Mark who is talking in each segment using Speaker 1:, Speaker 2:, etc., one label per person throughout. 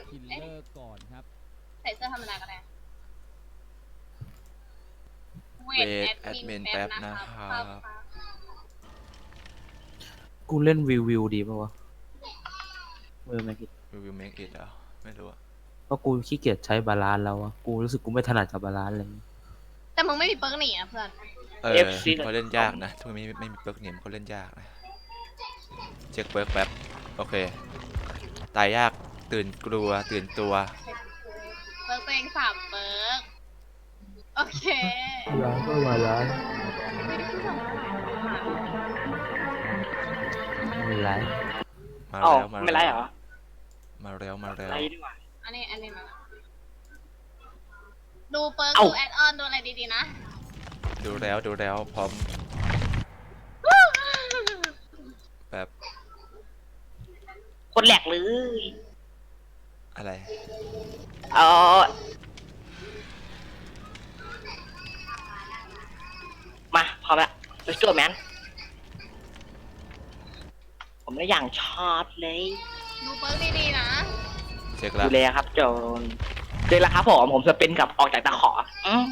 Speaker 1: คิลเลอร์ก่อนครับ
Speaker 2: ใส่เสื้อธรรมดาก็ได้เว
Speaker 3: เว
Speaker 2: ท
Speaker 3: ทแอดมินแป๊บนะครับ
Speaker 4: กูเล่นวิวดีป่าวะไม่คิด
Speaker 3: วิวเมคอิทเหรอไม่รู้อะ
Speaker 4: เพราะกูขี้เกียจใช้บาลานซ์แล้วอะกูรู้สึกกูไม่ถนัดกับบาลานซ์เลย
Speaker 2: แต่มึงไม่มีเปิร์กหนีอ่ะเพื่อน
Speaker 5: FC
Speaker 3: เขาเล่นยากนะทุกนี้ไม่มีเปิร์กเนี่ยเขาเล่นยากนะเช็คเปิร์กแป๊บโอเคตายยากตื่นกลัวตื่นตัว
Speaker 2: เปิร์กตัวเอง3เปิร์กโอเค
Speaker 4: ร้านก็บาลานซ์ไม่ไร
Speaker 3: มา
Speaker 5: อ๋อ
Speaker 3: แล้วมา
Speaker 5: ไม่ไรเหรอ
Speaker 3: มาแล้วมาแล้ว
Speaker 5: ไรดีกว่า
Speaker 2: อันนี้มาดูเปิร์ก
Speaker 5: เอ้า
Speaker 2: ดูแอดออนดูอะไรดีๆนะ
Speaker 3: ดูแล้วพร้อมแบบ
Speaker 5: คนแหลกเลย
Speaker 3: อะไร
Speaker 5: เออมาพร้อมละ let's go man ผมได้อย่างชอบเลย
Speaker 2: ดูเปิร์กดีๆนะ
Speaker 3: เช็คแล้
Speaker 5: ดู
Speaker 3: ว
Speaker 5: เลยครับโจนเจอแล้วครับผมจะเป็นกับออกจากตะขอ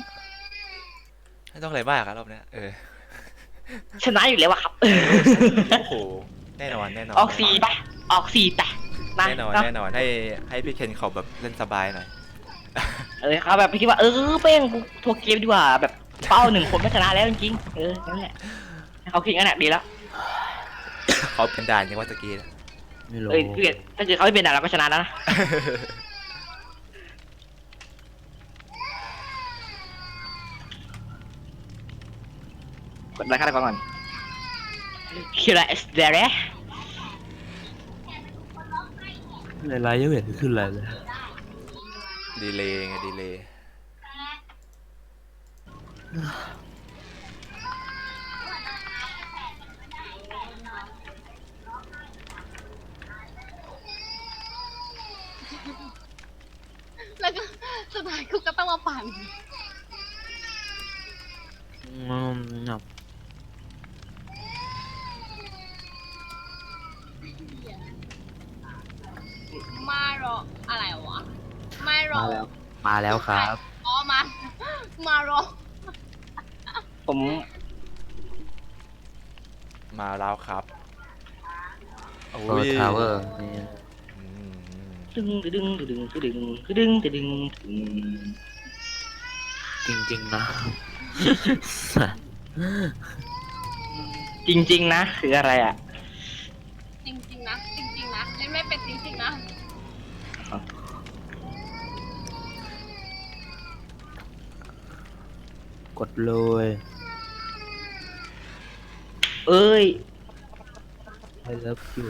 Speaker 3: ไม่ต้องอะไรมากครับรอบเนี้ย
Speaker 5: ชนะอยู่แล้วอะครับ
Speaker 3: โอ้โหแน่นอน
Speaker 5: ออก4ไปออก4ไปมา
Speaker 3: แน่นอน
Speaker 5: เนาะ
Speaker 3: แน่นอนให้พี่เคนเขาแบบเล่นสบายหน่อย
Speaker 5: เขาแบบคิดว่าเป้งกูทัวร์เกมดีกว่าแบบเป้า1 คนไม่ชนะแล้วจริงๆนั่นแหละให้เขาคิดงั้นแหละดีแล้ว
Speaker 3: เขาเป็นด่านยังว่าตะกี้นะ
Speaker 4: ไม่รู้
Speaker 5: ถ้าเกิดเขาไม่เป็นด่านเราก็ชนะแล้วนะกดไลค์กันก่อนคิระเอสเดเร
Speaker 4: ไรยังไม่เห็นขึ้นอะไรเลย
Speaker 3: ดีเลย์ไงดีเลย์
Speaker 2: แล้วก็สุดท้ายกูก็ต้องมาปั่นมารออะไรวะไม่รอ
Speaker 4: มาแล้วครับ
Speaker 2: อ๋อมารอ
Speaker 5: ผม
Speaker 3: มาแล้วครับโอ้
Speaker 4: เปิด
Speaker 3: ย
Speaker 4: ทาวเวอร์นี่
Speaker 3: อืม
Speaker 5: ดึง
Speaker 4: จริงๆนะ
Speaker 5: จริงๆนะคืออะไรอ่ะ
Speaker 2: จริงๆนะจริงๆนะเล่นไม่เป็นจริงๆนะ
Speaker 4: กดเลย
Speaker 5: เอ้ย
Speaker 4: I love you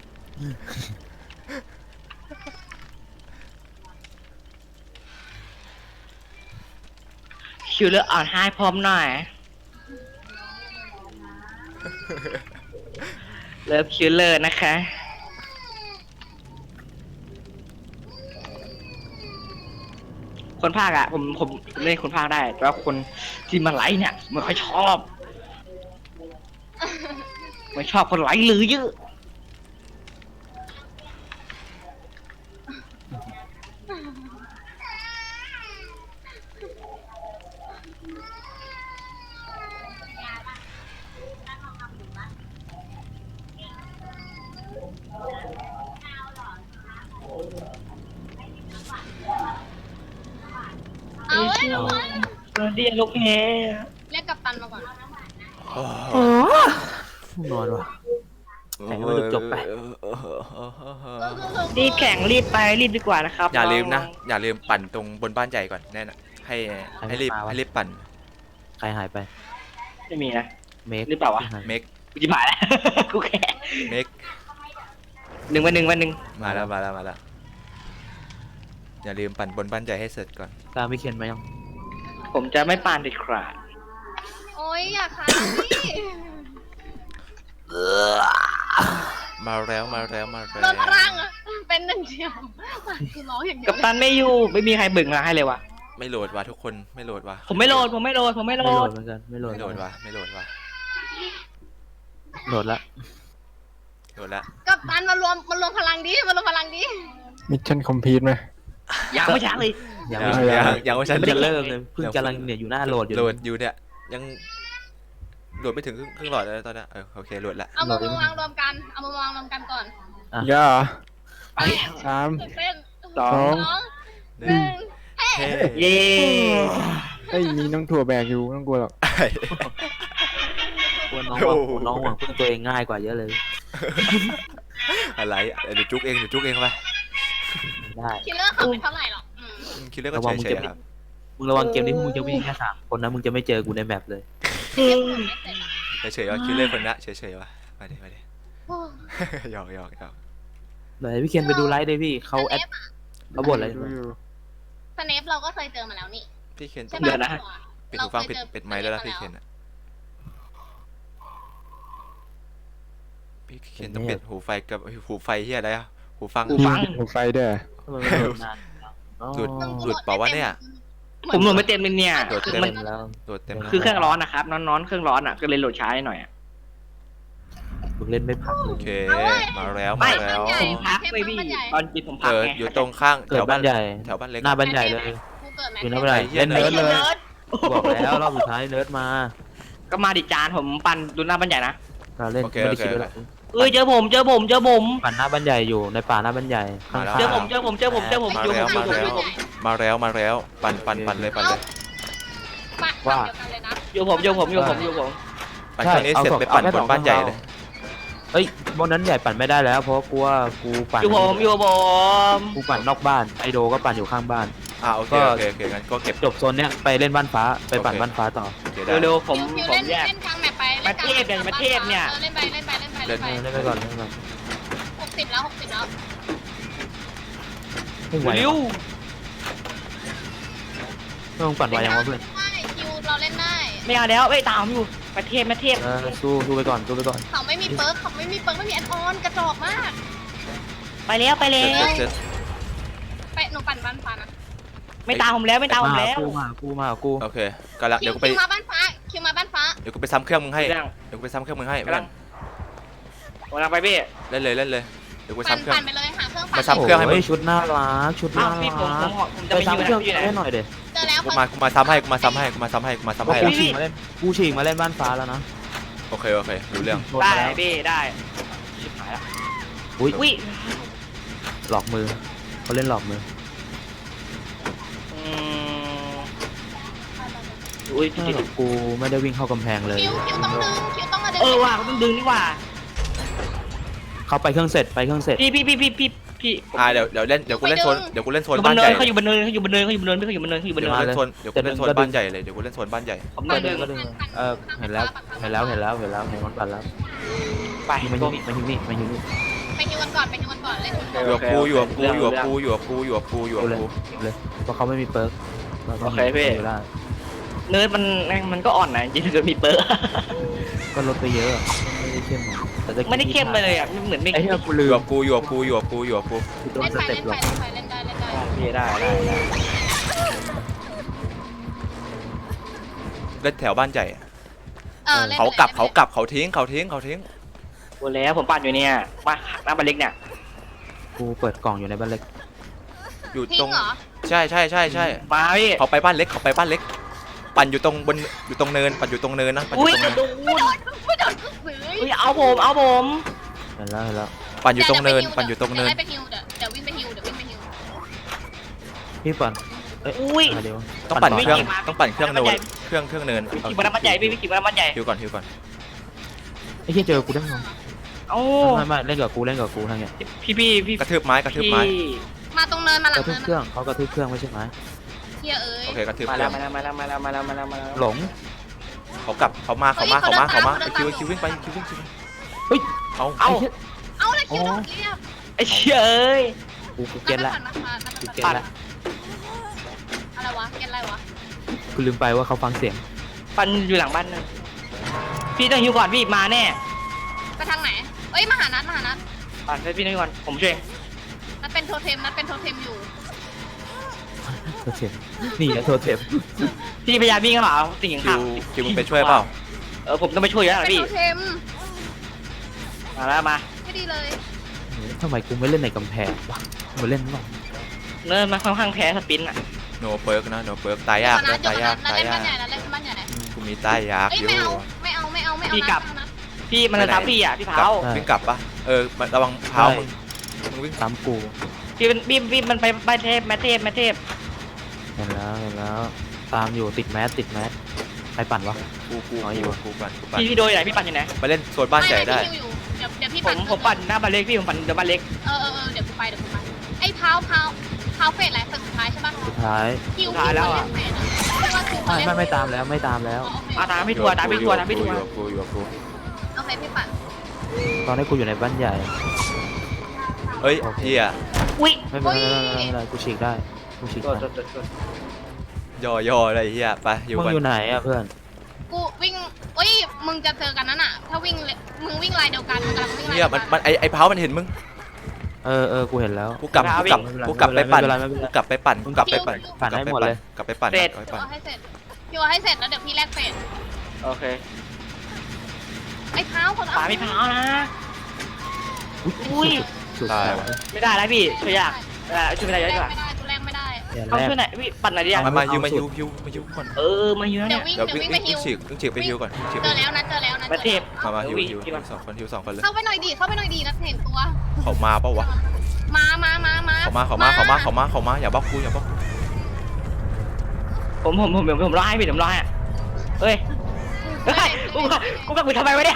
Speaker 5: คิวเลอร์อ่อนให้พร้อมหน่อยเลิฟคิวเลอร์นะคะ คนภาคอะผมเล่นคนภาคได้ แต่ว่าคนที่มาไลฟ์เนี่ยไม่ค่อยชอบไม่ชอบคนไลฟ์หรือเยอะ
Speaker 2: เอาเว้ยเอาเว้ย
Speaker 5: เรียนลูกแง่
Speaker 2: เรียกกัปตันมาก่อน
Speaker 3: โอ้
Speaker 4: นอนว่ะ แต่ก็ไม่จบไป
Speaker 5: รีบแข่งรีบไปรีบดีกว่านะครับ
Speaker 3: อย่าลืมนะ
Speaker 5: อง
Speaker 3: อย่าลืมปั่นตรงบนบ้านใหญ่ก่อนแน่นะให้รีบปั่น
Speaker 4: ใครหายไป
Speaker 5: ไม่มีนะ
Speaker 4: เมค
Speaker 5: หรือเปล่าวะ
Speaker 3: เมก
Speaker 5: กูจะมาแล้ว กูแค่
Speaker 3: เมก
Speaker 5: วันหนึ่ง
Speaker 3: มาแล้วอย่าลืมปั่นบนบ้านใหญ่ให้เสร็จก่อน
Speaker 4: ตามพี่เคนมายัง
Speaker 5: ผมจะไม่ปานเด็ดขาด
Speaker 2: โอ้ยอยากค้างพี่
Speaker 3: มาแล้ว
Speaker 2: โดนพลังอะเป็นหนึ่งเดียวคือร้องอย่างเดีย
Speaker 5: กั
Speaker 2: ว
Speaker 5: ปตันไม่อยู่ไม่มีใครบึ่งมาให้เลยวะ
Speaker 3: ไม่โหลดว่ะทุกคนไม่โหลดว่ะ
Speaker 5: ผมไม่โหลด
Speaker 4: ไม่โหลดเหมือนกันไม่โหลด
Speaker 3: ไม่โหลดว่ะไม่โหลดว่ะ
Speaker 4: โหลดละ
Speaker 3: โหลดละ
Speaker 2: กัปตันมารวมพลังดิมารวมพลังดิ
Speaker 1: มิชชั่นคอมพลีทไหม
Speaker 5: ยังไม่ช้าเลย
Speaker 4: ยัง
Speaker 3: ยั
Speaker 4: ไม่
Speaker 3: ง
Speaker 4: ได้
Speaker 3: ยังไม่ใช่
Speaker 4: ไม่ได้เริ่มเลยเพิ่งกำลังเนี่ยอยู่หน้าโหลดอยู่
Speaker 3: โหลดอยู่เนี่ยยังโหลดไม่ถึงครึ่งหลอดเลยตอนนี้โอเคโหลดละ
Speaker 2: เอามาวางรวมกันเอามาวางรวมกันก่อน
Speaker 1: ย่า
Speaker 5: ไป
Speaker 1: สาม
Speaker 2: ตื่นเต้น
Speaker 5: สอ
Speaker 1: สอง ง
Speaker 2: หนึ่ง
Speaker 3: เฮ้
Speaker 5: เย้
Speaker 1: เอ้ยมีน้องถั่วแบกอยู่ไม่ต้องกลัวหรอก
Speaker 4: กลัวน้องหวังน้องหวังพึ่งตัวเองง่ายกว่าเยอะเลย
Speaker 3: อะไรเดี๋ยวจุกเองไป
Speaker 4: ได้
Speaker 2: คิลเลอร์ขับไปเท่าไหร่หรอก
Speaker 3: คิดเรื่อง
Speaker 4: ระ
Speaker 3: ก็
Speaker 4: วังมึง
Speaker 3: เฉย
Speaker 4: จะ
Speaker 3: ๆครับ
Speaker 4: มึงระวังเกมนี้มึงจะวิ่งแค่3 คนนะมึงจะไม่เจอกูในแมปเลย
Speaker 3: เฉยๆว่าคิดเรื่องคนละเฉยๆว่ามาดิ
Speaker 2: โอ้
Speaker 3: หยอก
Speaker 4: เดี๋ยวพี่เคนไปดูไลฟ์ได้พี่เขาแอดเขาบ่นอะไร
Speaker 1: ดูอยู่
Speaker 2: สเนปเราก็เคยเจอมาแล้วนี่
Speaker 3: พี่เคน
Speaker 2: ใช่
Speaker 3: ต้อง
Speaker 2: ปะ
Speaker 3: ปิดหูฟังปิดไมค์แล้วนะพี่เคนพี่เคนต้องปิดหูไฟกับหูไฟเฮียอะไรอะหูฟัง
Speaker 5: หูฟัง
Speaker 1: หูไฟด้วย
Speaker 4: ทำไมมันโดนนานอ๋อ
Speaker 3: หลุดเปล่าวะเนี่ย
Speaker 5: ผมโหลดไม่เต็มเลยเนี่ย
Speaker 3: โหลด
Speaker 5: คือ
Speaker 3: เต็
Speaker 5: มัน
Speaker 4: แล้ว
Speaker 3: โหลดเต็ม
Speaker 5: คือเครื่องร้อนนะครับน้อนๆเครื่องร้อนอ่ะก็เลยโหลดช้าหน่อยอ่ะ
Speaker 4: มึงเล่นไม่พักเล
Speaker 3: โอย เคมาแล้ว
Speaker 5: ไม่
Speaker 3: มาแล้ว
Speaker 5: ผมพักเลยพี่ตอนกินผมพัก
Speaker 3: เกิด
Speaker 5: ไง
Speaker 3: อยู่ตรงข้างแถ
Speaker 4: เกิด
Speaker 3: ว
Speaker 4: บ้า
Speaker 3: บ้าน น
Speaker 4: ใหญ่
Speaker 3: แถวบ้านเล็ก
Speaker 4: หน้าบ้านใหญ่เลย
Speaker 2: กูเกิดแม็ก
Speaker 4: อยู่หน้าบ้านใหญ่
Speaker 3: ไอ้เหี้ย
Speaker 4: เล่นเนิร์ดเลย
Speaker 5: เนิร์ด
Speaker 4: บอกแล้วรอบสุดท้ายเนิร์ดมา
Speaker 5: ก็มาดิจานผมปั่นดูหน้าบ้านใหญ่นะ
Speaker 4: เราเล่น
Speaker 3: โอเค
Speaker 4: ไม่
Speaker 3: โอ
Speaker 4: ได้
Speaker 3: เค
Speaker 4: คิดด้วยหรอก
Speaker 5: เอ้ยเจอผม
Speaker 4: ปั่นหน้าบ้านใหญ่อยู่ในป่าหน้าบ้านใหญ่ข้างๆ
Speaker 5: เจอผมอยู่ผม
Speaker 3: มาแล้วปั่นเลย
Speaker 2: ปะเดียวกันเลยนะ
Speaker 5: อยู่ผม
Speaker 3: ปั่นเครื่องนี้เสร็จไปปั่นบนบ้านใหญ่เลย
Speaker 4: เอ้ยบนนั้นใหญ่ปั่นไม่ได้แล้วเพราะกูว่ากูปั่น
Speaker 5: อยู่ผม
Speaker 4: กูปั่นนอกบ้านไอโดก็ปั่นอยู่ข้างบ้าน
Speaker 3: โอเคงั้นก็เก็บ
Speaker 4: จบโซนเนี้ยไปเล่นบ้านฟ้าไปปั่นบ้านฟ้าต่อ
Speaker 3: โอเคได้
Speaker 5: เร็วๆผม
Speaker 2: คิว
Speaker 5: ผม
Speaker 2: เล่น
Speaker 5: แยก
Speaker 2: เล่นกลางแมปไป
Speaker 5: ประเทศเนี่ยประเทศเนี่ย
Speaker 2: เล่นไป
Speaker 4: เล่นไปก่อนเล่นไปก่อน
Speaker 2: 60แล้ว
Speaker 4: ไม่ไหว
Speaker 5: เร็ว
Speaker 4: ไม่ต้องปั่นไวยังวะเพื่อน
Speaker 2: ได้คิวเราเล่นได้
Speaker 5: ไม่เอาแล้วตามอยู่ประเทศ
Speaker 4: สู้ไปก่อน
Speaker 2: เขาไม่มีเปิร์กไม่มีแอดออนกระจอกมาก
Speaker 5: ไปแล้ว
Speaker 3: เสร็จ
Speaker 2: ไปหนูปั่นบ้านฟ้านะ
Speaker 5: ไม่ตามผมแล้ว
Speaker 4: กูมากู
Speaker 3: โอเคก็ละ
Speaker 2: คิ
Speaker 3: เดี๋ยว
Speaker 2: ว
Speaker 3: กูไป
Speaker 2: มาบ้านฟ้า
Speaker 3: เดี๋ยวกูไปซ้ำเครื่องมึงให้
Speaker 5: กำลัง
Speaker 3: เดี๋ยวกูไปซ้ำเครื่องมึงให้
Speaker 5: กำลังกำลังไปพี่
Speaker 3: เล่นเลยเดี๋ยวกู
Speaker 2: ปั่น
Speaker 3: ซ้ำเครื่อง
Speaker 2: ไปเลยหาเครื่องปั่น
Speaker 3: มาซ้ำเครื่องให้มึง
Speaker 4: ชุดน่ารักชุด
Speaker 5: อ้า
Speaker 4: น่าว
Speaker 5: พี่ผม
Speaker 4: รัก
Speaker 5: จะ
Speaker 4: ไป
Speaker 5: ไปอยู่
Speaker 4: ซ้ำเครื่อง
Speaker 5: อยู่ไหน
Speaker 4: ให้หน่อยเด็
Speaker 2: เจอแล้ว
Speaker 3: กูมาซ้ำให้กู
Speaker 4: กู
Speaker 3: แล้ว
Speaker 4: ฉีกมาเล่นบ้านฟ้าแล้วนะ
Speaker 3: โอเครู้เรื่อง
Speaker 4: โดน
Speaker 5: ได้
Speaker 4: มาแล้ว
Speaker 5: พี่ได้ชิบหายละ
Speaker 4: อุ้ย
Speaker 5: อุ้ย
Speaker 4: หลอกมือเขาเล่นหลอกมือ
Speaker 5: อุ้ย
Speaker 4: กูไม่ได้วิ่งเข้ากำแพงเลย
Speaker 2: คิวต้องมาดึง
Speaker 5: ว่าเขาต้องดึงนี่ว่า
Speaker 4: เขาไปเครื่องเสร็จ
Speaker 5: พี่
Speaker 3: เดี๋ยวกูเล่นโซน
Speaker 5: อยู่บ
Speaker 3: บ้าน น
Speaker 5: เนิ
Speaker 3: ใหญ่
Speaker 5: นเขาอยู่บนเนินเขาอยู่บนเนินพี่เขาอยู่บนเนิน
Speaker 3: เดี๋ยวกูเล่นโซนบ้านใหญ่เลยเดี๋ยวกูเล่นโซนบ้านใหญ่
Speaker 5: ผม
Speaker 4: ก็
Speaker 5: เดิ
Speaker 4: ดึ
Speaker 5: น
Speaker 4: งก็ดึงเห็นแล้วเห็นมันปั่นแล้ว
Speaker 5: ไป
Speaker 4: มา
Speaker 5: ก็
Speaker 4: ฮินี่
Speaker 2: ไปฮิวกันก่อนเล่น
Speaker 3: อยู่กับกู
Speaker 4: เลยเพราะเขาไม่มีเปิร์ก
Speaker 5: เนิร์ดมันก็อ่อนนะจริงๆมีเปิร์
Speaker 4: ก็ลดไปเยอะไม่ได้เข้ม
Speaker 5: ไม่ได้เข้มเลยอ่ะเหมือนไม่
Speaker 4: ไอ้เหี้ยกูลื
Speaker 3: อยู่
Speaker 4: ม
Speaker 3: กับกู
Speaker 4: กูโดน
Speaker 2: เล่น
Speaker 4: ส
Speaker 2: ไป
Speaker 4: เต็ปหลอก
Speaker 2: เล่นได้
Speaker 5: พี่ได้
Speaker 3: เล่นแถวบ้านใหญ่
Speaker 2: เล่น
Speaker 3: เขากลับเขาทิ้ง
Speaker 5: หมดแล้วผมปั่นอยู่เนี่ยมาหน้าบันเล็กเนี่ย
Speaker 4: กูเปิดกล่องอยู่ในบ้านเล็ก
Speaker 3: อยู่
Speaker 2: ทิ้
Speaker 3: ตรง ง
Speaker 2: เหรอ
Speaker 3: ใช่
Speaker 5: มาพี่
Speaker 3: เขาไปบ้านเล็กปั่นอยู่ตรงเนินนะ
Speaker 5: อุ้ยโดน
Speaker 2: ไม่โดนซื้อ
Speaker 5: เอาผม
Speaker 4: เห็นแล้ว
Speaker 3: ปั่นอยู่ตรงเนิน
Speaker 2: เดี๋ยวไปฮิวเดี๋ยววิ่งไปฮิว
Speaker 4: พี่ปั่น
Speaker 5: อุ้ย
Speaker 4: เดี๋ยว
Speaker 3: ต้องปั่น
Speaker 5: ไม่
Speaker 3: เครื่อง
Speaker 5: เก่งมาก
Speaker 3: ต้องปั่นเครื่องเนินเครื่องเนิน
Speaker 5: ขี่มาแล้วมันใหญ่พี่ขี่มาแล้วมันใหญ่
Speaker 3: ฮิวก่อน
Speaker 4: ไอ้เหี้ยเจอกูได้ไง
Speaker 5: เอ้า
Speaker 4: ไม่เล่นกับกูทั้งเนี้ย
Speaker 5: พี่
Speaker 3: กระทืบไม้
Speaker 2: มาตรงเนินมาหลั
Speaker 4: ก
Speaker 2: ง
Speaker 4: ระทืบเครื่องเขากระทืบเครื่องไม่ใช่ไหม
Speaker 2: เฮียเอ้ย
Speaker 3: โอเคกระทืบ
Speaker 5: มา
Speaker 3: เค
Speaker 5: แล้
Speaker 3: รื่
Speaker 5: ว
Speaker 3: อง
Speaker 5: มาแล้ว
Speaker 4: หลง
Speaker 3: เขากลับเขามาคิววิ่งไปเอา
Speaker 2: เอาเลยคิวต้องเรียบ
Speaker 5: ไอ้เชี่ยเอ้ย
Speaker 4: กูเก็ตละกูเก็ตละ
Speaker 2: อะไรวะเก็ตอะไรวะ
Speaker 4: กูลืมไปว่าเขาฟังเสียง
Speaker 5: ปันอยู่หลังบ้านนะพี่ต้องฮิวก่อนพี่มาแน่
Speaker 2: ไปทางไหนเอ้ยมาหานัด
Speaker 5: ปันให้พี่ต้องฮิวก่อนผมช่วย
Speaker 2: นัดเป็นโทเทมอยู่
Speaker 4: โทเทมนี่แหละโทเทม
Speaker 5: พี่พยายามวิ่งเข้าหาสิ่งข้าง
Speaker 3: คิวมึงไปช่วยเปล่า
Speaker 5: ผมต้องไปช่วยแล้ว
Speaker 2: เป็น
Speaker 5: พี่
Speaker 2: โทเทม
Speaker 5: มาแล้วมา
Speaker 2: ไม่ดีเลย
Speaker 4: ทำไมกูไม่เล่นในกำแพงวะมาเล่นบ้าง
Speaker 5: เนินมันค่อนข้างแพ้สปินอ่ะ
Speaker 3: โนเปิร์กนะโนเปิร์กตายยาก
Speaker 2: ก่อนนะ
Speaker 3: นะ
Speaker 2: จบ
Speaker 3: ตาย
Speaker 2: ก่
Speaker 3: ยา
Speaker 2: อก นนะ
Speaker 3: ตาย
Speaker 2: เล่น
Speaker 3: ยา
Speaker 2: บ้าน
Speaker 3: ก
Speaker 2: ใหญ่แล้วเล่นบ้านใหญ่ไหน
Speaker 3: กูมีตายยาก
Speaker 2: เอ้ย
Speaker 3: อยู่
Speaker 2: ไม่เอา
Speaker 5: พี่กลับ
Speaker 2: นะ
Speaker 5: พี่มันจะทับพี่อ่ะพี่เผา
Speaker 3: วิ่งกลับปะระวังเท้ามึงวิ่ง
Speaker 4: ตามกู
Speaker 5: พี่มันไปบ้านเทพแม่เทพ
Speaker 4: เห็นแล้วตามอยู่ติดแมสใครปั่นวะ
Speaker 3: กู
Speaker 4: อ๋ออยู่
Speaker 3: กูปั่น
Speaker 5: พี่โดยไหนพี่ปั่นอยู่ไหน
Speaker 3: ไปเล่นโซนบ้านใหญ่ได้
Speaker 2: ม่อยู่เดี๋ยวพี่
Speaker 5: ผมปั่นหน้าบ้านเล็กพี่ผมปั่นเดี๋ยวบ้านเล็ก
Speaker 2: เดี๋ยวกูไปไอ้เท้าเฟสอะไรสุดท้ายใช่ป่ะ
Speaker 4: สุดท้าย
Speaker 2: คิวเล่นเฟสไม่ว่าคิว
Speaker 4: ไม่ตามแล้วไม่ตามแล้ว
Speaker 5: ตามพี่ทัวร์ตามพี่ทัวร์
Speaker 3: กู
Speaker 2: โอเคพี่ปั่น
Speaker 4: ตอนนี้กูอยู่ในบ้านใหญ่
Speaker 3: เฮ้ยเฮีย
Speaker 5: อุ้ย
Speaker 4: ไม่เป็นไรกูฉีกได้กูฉีกได้
Speaker 3: ย่ออะไรเฮียไปอยู่
Speaker 4: มึง
Speaker 3: กัน
Speaker 4: อยู่ไหนอะเพื่อน
Speaker 2: กูวิ่งมึงจะเจอกันนั่นน่ะถ้ามึงวิ่งลายเดียวกันมึงกำลังวิ่งลาย
Speaker 3: เฮี
Speaker 2: เดี
Speaker 3: ย
Speaker 2: ยวกัน
Speaker 3: มันไอ้เท้ามันเห็นมึง
Speaker 4: กูเห็นแล้ว
Speaker 3: กูกลับไปปั่น
Speaker 4: ไม่เป็นไร
Speaker 3: กูกลับไปปั่น
Speaker 4: ปั่นให้หมดเลย
Speaker 3: กลับไปปั่น
Speaker 2: เอาให้เสร็จคิวให้เสร็จแล้วเดี๋ยวพี่แลกเฟส
Speaker 5: โอเค
Speaker 2: ไอ้เท้าคน
Speaker 5: ป่าพี่เผานะอุ้ย
Speaker 4: สุด
Speaker 3: ตาย
Speaker 4: ท้าย
Speaker 3: ว่ะ
Speaker 5: ไม่ได้แล้วพี่ช่วยยากช่วยไม่ได้
Speaker 2: แล
Speaker 5: เย
Speaker 2: ก
Speaker 5: อะกว่า
Speaker 2: ไม่ได้กูแลกไม่ได้
Speaker 5: เอาช่วยไหนพี่ปั่นไหนดิ
Speaker 3: มาฮิวก่อน
Speaker 5: มาเยอะ
Speaker 2: เดี๋
Speaker 5: เนี่ย
Speaker 2: ยววิ่ง
Speaker 3: เดี๋ยว
Speaker 2: ไปฮิว
Speaker 3: ฉีกไปฮิวก่อนฉีก
Speaker 2: เจ
Speaker 3: ไป
Speaker 2: อ
Speaker 3: ฮิ
Speaker 2: แล้ว วนะ
Speaker 5: มาเทพ
Speaker 3: มาฮิวสองคนเลย
Speaker 2: เข้าไปหน่อยดีนะเห็นตัว
Speaker 3: เขามาเปล่าวะ
Speaker 2: มา
Speaker 3: เขามาอย่าบล็อกกู
Speaker 5: ผมร้ายพี่ผมร้ายอ่ะเฮ้ยกูกับกูทำไมวะเนี่ย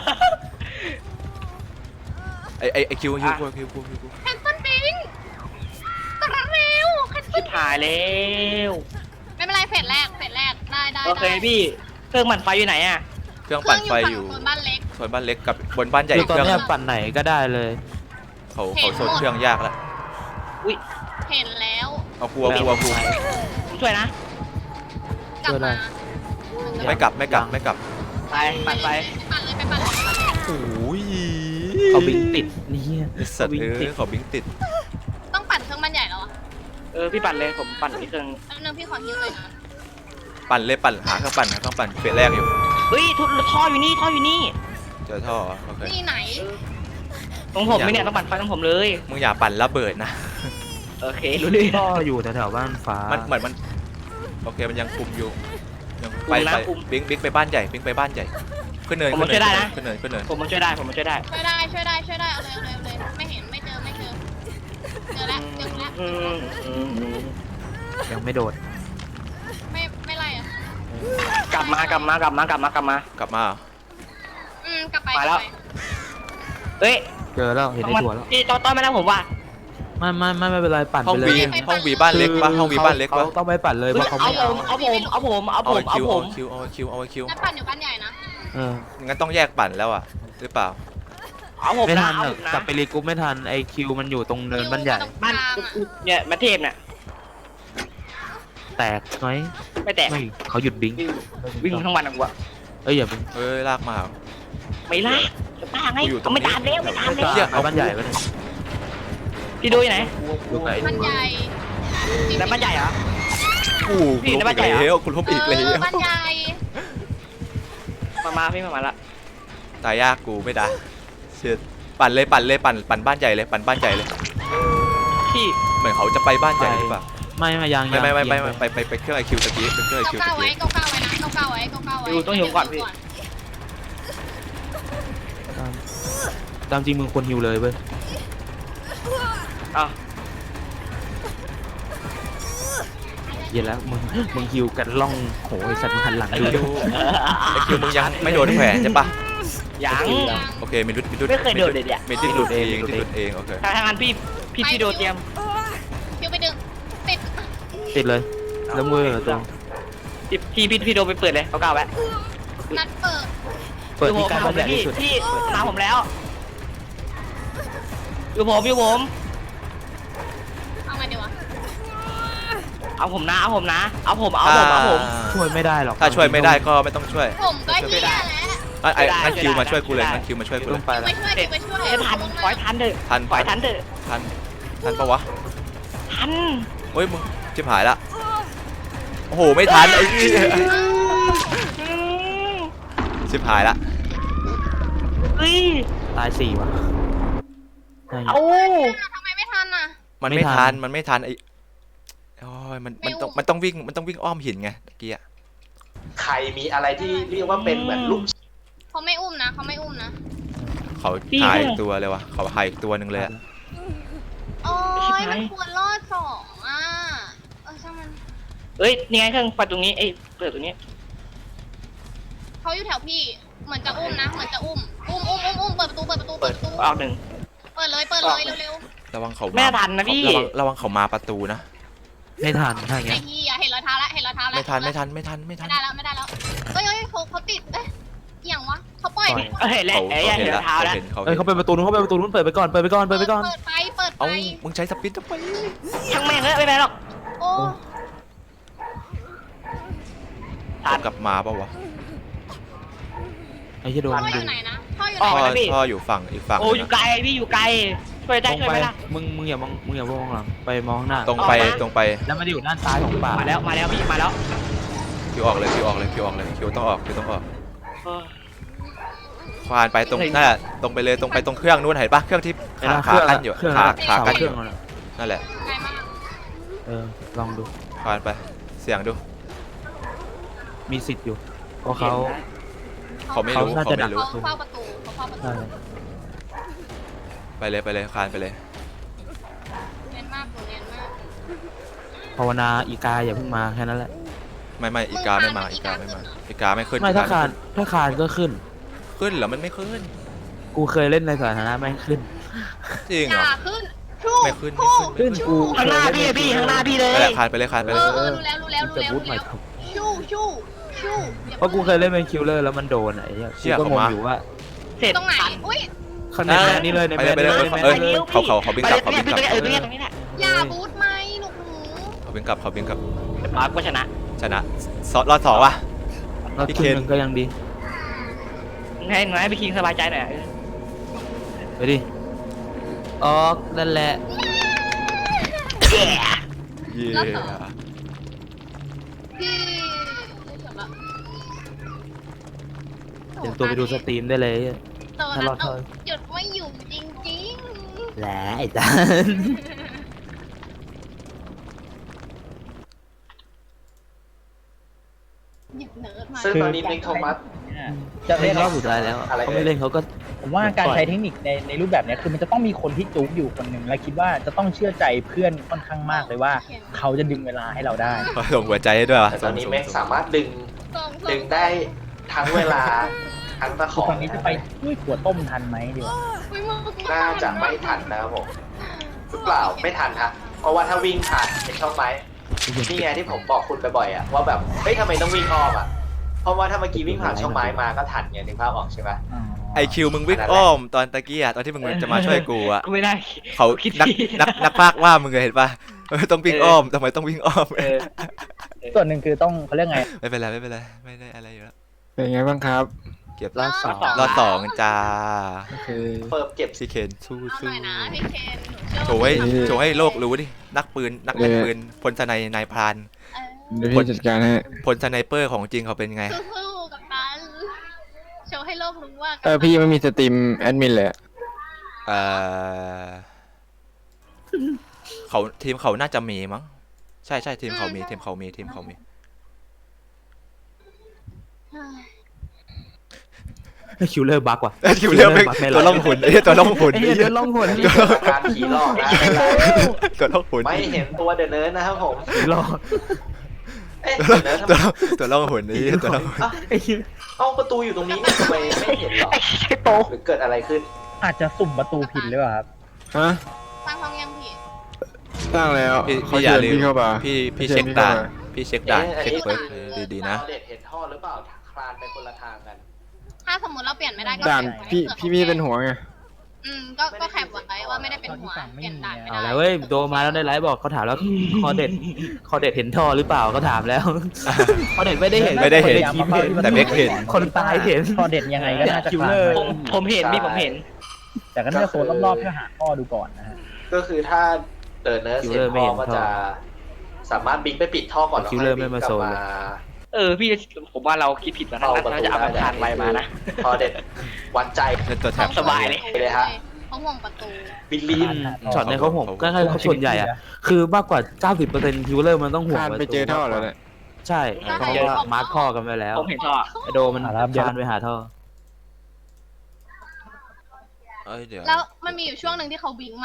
Speaker 3: ไอคิวกู
Speaker 2: แคนเซิลบิงกระเร็วแคนเซิ
Speaker 5: ชิ
Speaker 2: ล
Speaker 5: บหายแล้ว
Speaker 2: ไม่เป็นไรเฟสแรกได้
Speaker 5: โอเคพี่เครื่องมันไฟอยู่ไหนอ่ะ
Speaker 3: เครื่องปั่นไฟอยู่
Speaker 2: โซนบ้านเล็ก
Speaker 3: ส่วนบ้านเล็กกับบนบ้านใหญ่
Speaker 4: คือตอน
Speaker 3: เครื่อง
Speaker 4: เนี้ยปั่นไหนก็ได้เลย
Speaker 3: เขาโซนเครื่องยากแล้ว
Speaker 2: เห็นแล้ว
Speaker 3: เอากู
Speaker 5: ผมช่วยนะ
Speaker 2: กลับมา
Speaker 3: ไม่กลับ
Speaker 5: ไปปั่นไฟ
Speaker 2: ปั่นเลย
Speaker 3: โอ้ย
Speaker 4: เขาบิงติดนี่เฮีย
Speaker 3: สัตว์ขอบิงติด
Speaker 2: ต้องปั่นเครื่องบ้านใหญ่แล้วอ่ะ
Speaker 5: พี่ปั่นเลยผมปั่นที่เครื่อง
Speaker 2: แป๊บนึงพี่ขอฮิวเลยนะ
Speaker 3: ปั่นเลยหาเครื่องปั่นเฟสแรกอยู่
Speaker 5: เฮ้ยท่ออยู่นี่
Speaker 3: เจอท่อโอเค
Speaker 2: นี่ไหน
Speaker 5: ตรงผมไม่เนี่ยต้องปั่นไฟตรงผมเลย
Speaker 3: มึงอย่าปั่นระเบิดนะ
Speaker 5: โอเครู้เลย
Speaker 4: ก็อยู่แถวๆบ้านฟ้า
Speaker 3: มันเหมือนมันโอเคมันยังคุมอยู่ยังไปบิ๊กไปบ้านใหญ่ขึ้นเนิน
Speaker 5: ผมมาช่วยได้นะ
Speaker 3: ขึ้นเนิน
Speaker 5: ผมมาช่วยได้
Speaker 2: ช่วยได้เอาเลยไม่เห็นไม่เจอแล้ว
Speaker 4: ยังไม่โดด
Speaker 2: ไม่ไรอ่ะ
Speaker 5: กลับมาก
Speaker 3: ลับมา
Speaker 2: กลับไป
Speaker 5: มาแล้ว เฮ้ย
Speaker 4: เจอแล้วเห็นในตัวแล้ว
Speaker 5: พี่ต้อนมาแล้วผมว่า
Speaker 4: ไม่เป็นไรปั่น
Speaker 3: ห้อง
Speaker 4: ไปเลย
Speaker 3: วีบ้านเล็กปะห้องวีบ้านเล็กปะ
Speaker 4: ต้องไปปั่นเลยเพราะเขาไม่เอา
Speaker 5: เอาผม
Speaker 3: เอาคิว
Speaker 2: นัดปั่นอยู่บ้านใหญ่นะ
Speaker 3: งั้นต้องแยกปั่นแล้วอ่ะหรือเปล่า
Speaker 5: เอาผม
Speaker 4: ไม่
Speaker 5: นะ
Speaker 4: ทัน
Speaker 5: เอา
Speaker 4: อะ
Speaker 5: ผมนะ
Speaker 4: กลับไปรีกรุ๊ปไม่ทันไอคิวมันอยู่ตรงเนินบ้านใหญ่
Speaker 5: บ้านเนี่ยมาเทพเนี่ย
Speaker 4: แตกไหม
Speaker 5: ไม่แตก
Speaker 4: ไม่เขาหยุดบิง
Speaker 5: วิ่งทั้งวันกูอะ
Speaker 4: อย่าบิง
Speaker 3: เอ้ยลากมา
Speaker 5: ไม่ล่ะจะป้าไงไม่ตามแล้ว
Speaker 4: ไปบ้านใหญ่ไปเลย
Speaker 5: พี่ดูอยู่ไหน
Speaker 4: ดูไกล
Speaker 2: บ้านใหญ่
Speaker 5: แล้วบ้านใหญ่เหรอ
Speaker 3: กูล้มอีกแล้วกูล้มอีกแล้ว
Speaker 2: บ้านใหญ่
Speaker 5: มาพี่มาละ
Speaker 3: ตายยากกูไม่ได้เสียปั่นบ้านใหญ่เลยปั่นบ้านใหญ่เลย
Speaker 5: พี่
Speaker 3: เหมือนเขาจะไปบ้านใหญ่หรือเปล่า
Speaker 4: ไม่ยัง
Speaker 3: ไม่ไปเครื่องไอคิวตะกี้เป็นเครื่องไอคิวตะ
Speaker 2: ก้าวไว้
Speaker 3: กี้
Speaker 2: ก้าวไว้นะก้าวไว้
Speaker 4: ตามจริงมึงควรฮิวเลยเว้ย
Speaker 5: อ้าว
Speaker 4: เย็นแล้วมึงฮิวกันล่องโหไอสัตว์มึงหันหลัง
Speaker 3: ไอ
Speaker 4: ดู
Speaker 3: คิวมึงยังไม่โดนแผลใช่ปะ
Speaker 5: ยัง
Speaker 3: โอเคมีดุด
Speaker 5: ไม่เคยโดนเลยเนี่ย
Speaker 3: มีที่หลุดเองโอเค
Speaker 5: ทางนั้นพี่โดเตรียม
Speaker 2: คิวไปดึงติด
Speaker 4: ติดเลยแล้วมือตรง
Speaker 5: พี่โดไปเปิดเลยเขาก้าวไว้
Speaker 2: นัดเปิด
Speaker 4: เปิดที่การบ้านใหญ่ที่สุด
Speaker 5: พี่ทางผมแล้วอยู่ผม
Speaker 2: เอาไงดีวะ
Speaker 5: เอาผมเอาผม
Speaker 4: ช่วยไม่ได้หรอก
Speaker 3: ถ้าช่วยไม่ได้ก็ไม่ต้องช่วย
Speaker 2: ผมก็เฮียแล้ว
Speaker 3: งั้นคิวมาช่วยกูเลยงั้นคิวมาช่วยกูเล
Speaker 4: ต้อย งไปแล้ว
Speaker 2: ไปช่วย
Speaker 5: ทันปล่อยทันเถอะ
Speaker 3: ทัน
Speaker 5: ปล่อยทันเถอะ
Speaker 3: ทันปะวะ
Speaker 5: ทัน
Speaker 3: เฮ้ยมึงชิบหายละโอ้โหไม่ทันไอ้นี่ชิบหายละ
Speaker 5: เฮ้ย
Speaker 4: ตาย4 ว่ะ
Speaker 5: เอา
Speaker 2: ทำไมไม่ทันอ่ะ
Speaker 3: มัน
Speaker 4: ไม่
Speaker 3: ไม่
Speaker 4: ทั
Speaker 3: ทัน
Speaker 4: น
Speaker 3: มันไม่ทันไอ้โอ้ยมันต้องวิ่งอ้อมหินไงตะกี้อะ
Speaker 6: ใครมีอะไรที่เรียกว่าเป็นเหมือนลูก
Speaker 2: เขาไม่อุ้มนะเขาไม่อุ้มนะ
Speaker 3: เขาหายอีกตัวเลยวะเขาหายอีกตัวหนึ่งเลยอะ
Speaker 2: โอ้ยมันควรรอด2อ่ะช่างมัน
Speaker 5: เอ้ยนี่ไงเครื่องไฟตรงนี้เปิดตรงนี้
Speaker 2: เขาอยู่แถวพี่เหมือนจะอุ้มนะเหมือนจะอุ้มเปิดประตูเปิดประตู
Speaker 5: ออกหนึ่ง
Speaker 2: เปิดเลยเร็ว
Speaker 3: ระวังเขา
Speaker 5: ไม่ทันนะพี่
Speaker 3: ระวังเขามาประตูนะ
Speaker 4: ไม่ทันถ้าอ
Speaker 2: ๆ
Speaker 4: ย่าง
Speaker 2: ไอ้
Speaker 4: เงี้ย
Speaker 2: ที่เห็นรอยเท้าแล้วเห็นรอยเท้าแล้ว
Speaker 3: ไม่ทัน
Speaker 2: ไม่ได้แล้วเอ้ยเขาติดเอย่างวะเขาปล่อย
Speaker 5: เห็นแล้ว
Speaker 3: เขาเห็นแล้ว
Speaker 5: เท้าแล้ว
Speaker 4: เอ้ยเขาเปิดประตูนู้นเปิดไปก่อน
Speaker 2: เปิดไป
Speaker 3: เอ้ามึงใช้สปินทำไม
Speaker 5: ช่างแม่งเลยไม่เป็นไรหรอก
Speaker 2: โอ้
Speaker 3: ผมกลับมาเปล่าวะ
Speaker 4: ไอ้ที่โดน
Speaker 2: พ่ออ
Speaker 4: ดึ
Speaker 2: ยู่
Speaker 4: ง
Speaker 2: ไหนนะพ่ออยู่
Speaker 3: พ่
Speaker 2: ไห
Speaker 3: อน
Speaker 2: นะ
Speaker 3: พ่ออยู่ฝั่งอีกฝั่ง
Speaker 5: โอ้อยู่ไกลพี่อยู่ไกลช่วยได้
Speaker 4: ตรง
Speaker 5: ช่วย
Speaker 4: ไป
Speaker 5: ไม่ได้
Speaker 4: มึงอย่ามองหลังไปมองข้างหน้า
Speaker 3: ตรงไป
Speaker 4: แล้วมันจะอยู่ด้านซ้ายของป่า
Speaker 5: มาแล้วพี่มาแล้ว
Speaker 3: คิวออกเลยคิวต้องออกควานไปตรงนั่นแหละตรงไปเลยตรงไปตรงเครื่องนู้นเห็นปะเครื่องที่ขากั้นอยู่ขากั้นอยู่นั่นแหละ
Speaker 2: ไกลมาก
Speaker 4: ลองดู
Speaker 3: ควานไปเสียงดู
Speaker 4: มีสิทธิ์อยู่เพราะเขา
Speaker 3: เขาไม่รู้
Speaker 4: เขาน่าจะดัก
Speaker 2: เขาเฝ้าประตู
Speaker 4: ใช่
Speaker 3: ไปเลยควานไปเลย
Speaker 2: เนียนมาก
Speaker 4: ภาวนาอีกาอย่าเพิ่งมาแค่นั้นแหละ
Speaker 3: ไม่อีกาไม่ขึ้น
Speaker 4: ไม่ถ้าคานก็ขึ้น
Speaker 3: ขึ้นเหรอมันไม่ขึ้น
Speaker 4: กูเคยเล่นในสาธารณะไม่ขึ้น
Speaker 3: จริง
Speaker 2: อ
Speaker 3: เหร
Speaker 2: ย่า
Speaker 3: อ
Speaker 2: ขึ้น
Speaker 3: ไม่ขึ้น
Speaker 4: ขึ้นกู
Speaker 5: ข้างหน้าพี่ข้างหน้าพี่เลย
Speaker 3: นั่นแหละคานไปเลย
Speaker 2: รู้แล้ว
Speaker 4: จะบูทใหม่ครับ
Speaker 2: ชู่
Speaker 4: เพราะกูเคยเล่นเป็นคิลเลอร์แล้วมันโดนไอ้เหี้ยกูก็งงอยู่ว่า
Speaker 5: เสร็จ
Speaker 2: ตรงไหนอุ้ย
Speaker 4: คะแนนนี้เลยใน
Speaker 3: ไป
Speaker 4: แม
Speaker 3: เลย
Speaker 4: น
Speaker 3: เออเขาบินกลับ
Speaker 5: ตรงนี้แหละ
Speaker 2: อย่าบูทไหมลูกหนู
Speaker 3: เขาบินกลับ
Speaker 5: มาร์กก็ชนะ
Speaker 3: ชนะรอด2ว่ะ
Speaker 4: แล้ว
Speaker 3: พี่
Speaker 4: ที
Speaker 3: เคน
Speaker 4: นึงก็ยังดี
Speaker 5: ให้พี่คิงสบายใจหน่อย
Speaker 4: ไปดิออกนั่นแหละ
Speaker 3: เย้
Speaker 2: พี่
Speaker 4: เดี๋ยวตัวไปดูสตรีมได้เลย
Speaker 2: ตัวนั้นเอาหยุดไม่อยู่จริง
Speaker 4: แหละไอ้จาน
Speaker 2: หยิบเนิร์ดมา
Speaker 6: ซึ่งตอนนี้เมกโทมัส
Speaker 7: จะ
Speaker 4: เล่
Speaker 7: เล่
Speaker 4: น
Speaker 7: น
Speaker 4: รอบสุดท้ายแล้วเขาไม่เล่นเขาก็
Speaker 7: ผมว่าการใช้เทคนิคในรูปแบบเนี้ยคือมันจะต้องมีคนที่จุกอยู่คนหนึ่งและคิดว่าจะต้องเชื่อใจเพื่อนค่อนข้างมากเลยว่า เขาจะดึงเวลาให้เราได้
Speaker 3: ส่งหัวใจให้ด้วยวะ
Speaker 6: แต่ตอนนี้เมกสามารถดึง
Speaker 2: ส่ง
Speaker 6: ได้ทั้งเวลาทั้งตะข
Speaker 7: คือ
Speaker 6: อ
Speaker 7: ตอนนี้จะไปช่วยขวดต้มทันไหมดีกว่า
Speaker 6: น่าจะไม่ทันนะครับผมหรือเปล่าไม่ทันฮะเพราะว่าถ้าวิ่งผ่านเป็นช่องไม้นี่ไงที่ผมบอกคุณบ่อยๆอ่ะว่าแบบเฮ้ยทำไมต้องวิ่งอ้อมอ่ะเพราะว่าถ้าเมื่อกี้วิ่งผ่านช่องไม้มาก็ทันไงนึกภาพออกใช่ไหม
Speaker 3: ไอคิวมึงวิ่งอ้อมตอนตะกี้ตอนที่มึงจะมาช่วยกูอะ
Speaker 5: ก็ไม่ได้
Speaker 3: เขานักพากว่ามึงเลยเห็นปะต้องวิ่งอ้อมทำไมต้องวิ่งอ้อม
Speaker 7: ส่วนหนึ่งคือต้องเขาเรียกไง
Speaker 3: ไม่เป็นไรไม่ได้อะไรอยู่แล้ว
Speaker 1: เป็นไงบ้างครับ
Speaker 3: เก็บ
Speaker 4: รอบสอง
Speaker 3: รอด2จ้า
Speaker 1: โอเค
Speaker 6: เปิดเก็บ
Speaker 3: พี่เคนสู้
Speaker 2: เอาหน่อยนะพี่เคน
Speaker 3: โชว์ให้โลกรู้ดินักเล่นปืนพลสไนนายพราน
Speaker 1: เดี๋ยวพี่จัดการให้
Speaker 3: พลสไนเปอร์ของจริงเขาเป็นไง
Speaker 2: สู้ๆกับตันโชว์ให้โลกรู้ว่า
Speaker 1: พี่ไม่มีสตรีมแอดมินเลยอะ
Speaker 3: เขาทีมเขาน่าจะมีมั้งใช่ทีมเขามี
Speaker 4: ไอ้คิลเลอร์บักว่ะ
Speaker 3: คิวเรียกตัวล่องหุ่นตัวล่องหุ่น
Speaker 4: ไอ้เหี้ยเดินล่องหน
Speaker 6: การผีหลอกนะ
Speaker 3: ตัวล่องหุ่น
Speaker 6: ไม่เห็นตัวเดอะเนิร์ดนะครับผม
Speaker 4: หลอก
Speaker 6: เอ๊ะเดอะเนิร์ดทำไม
Speaker 3: ตัวล่องหุ่นนี่ตัวล่องหุ่น
Speaker 4: ไอ้เหี้ย
Speaker 6: เอ้าประตูอยู่ตรงนี้เนี่ยทำไมไม่เห็นหรอ
Speaker 5: ไอ้โป๊ะ
Speaker 6: หรือเกิดอะไรขึ้น
Speaker 7: อาจจะสุ่มประตูผิดหรือเปล่าครับ
Speaker 1: ฮะ
Speaker 2: สร้างห้องยังผิด
Speaker 1: สร้างแล้ว
Speaker 3: พี่
Speaker 1: เขา
Speaker 3: อย่า
Speaker 1: เชิญ
Speaker 3: ลืม
Speaker 1: พี่เข้ามา
Speaker 3: พี่เช็คด่านพี่เช็คด่าน
Speaker 6: เอ๊ะ
Speaker 3: เช็คเบิร์กดีๆนะ
Speaker 6: เด็ดเห็นท่อหรือเปล่าคลานไปคนละทางกัน
Speaker 2: ถ้าสมมติเราเปลี่ยนไม่ได้ก็
Speaker 1: ด่านพี่ไม่เป็นหัวไง
Speaker 2: ก็แคปไว้ว่าไม่ได้เป็นหัวเปลี่ยนด่านไม่
Speaker 4: เอา
Speaker 2: ได้
Speaker 4: แล้วเว้ยโดมาแล้วในไลฟ์บอกเขาถามแล้วคอเด็ดเห็นท่อหรือเปล่าเขาถามแล้วคอเด็ดไม่ได้เห็น
Speaker 3: ไม่ได้เห็น
Speaker 4: คนในทีมเห็น
Speaker 3: แต่เบคเห็น
Speaker 4: คนตายเห็น
Speaker 7: พอเด็ดยังไงก็น่าจะ
Speaker 4: คิล
Speaker 7: คลา
Speaker 4: เล
Speaker 7: น
Speaker 4: อร์
Speaker 5: ผมเห็นพี่ผมเห็น
Speaker 7: แต่ก็น่าจะโซนรอบๆเพื่อหาข้อดูก่อนนะฮะ
Speaker 6: ก็คือถ้าเดอะเนิร์ดเห็นท่อก็จะสามารถบินไปปิดท่อก่อนแล้วค่อยบินกลับมา
Speaker 5: พี่ผมว่าเราคิดผิดแล้วนะเราจะเอาทานไวมานะ
Speaker 6: พอเด็ดวัดใจ
Speaker 3: เป็นตัวแถบ
Speaker 5: สบายเลย
Speaker 6: เลยฮะ
Speaker 2: เพเขาห่วงประตู
Speaker 6: บิลลี่
Speaker 4: ช็อตในเขาผมก็เขาส่วนใหญ่อะคือมากกว่า 90%คิวเลอร์มันต้องห่วง
Speaker 1: คานไปเจอท่อแล้วแหละ
Speaker 4: ใช่เพราะว่ามาร์คท่อกันไปแล้ว
Speaker 5: ผมเห็นท่อ
Speaker 4: ไอโดมันคานไปหาท่อ
Speaker 3: เอ้ยเดี๋ยว
Speaker 2: แล้วมันมีอยู่ช่วงหนึ่งที่เขาวิ่งมา